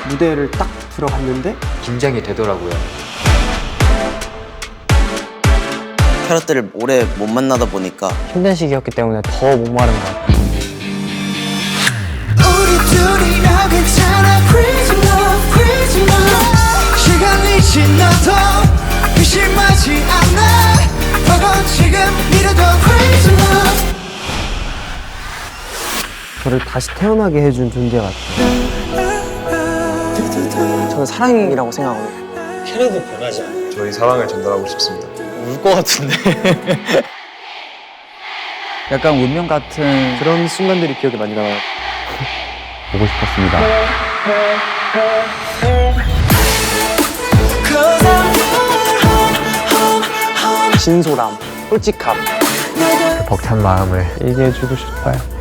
무대를 딱 들어갔는데 긴장이 되더라고요. 캐럿들을 오래 못 만나다 보니까 힘든 시기였기 때문에 더 목마른 것 같아요. 우리 둘이라 괜찮아 crazy love crazy love 시간이 지나도 의심하지 않아 버거 지금 이래도 crazy love 저를 다시 태어나게 해준 존재 같아요. 저는 사랑이라고 생각하거든요. 저희 사랑을 전달하고 싶습니다. 울 것 같은데. 약간 운명 같은 그런 순간들이 기억에 많이 남아요. 보고 싶었습니다. 진솔함, 솔직함. 벅찬 마음을 얘기해주고 싶어요.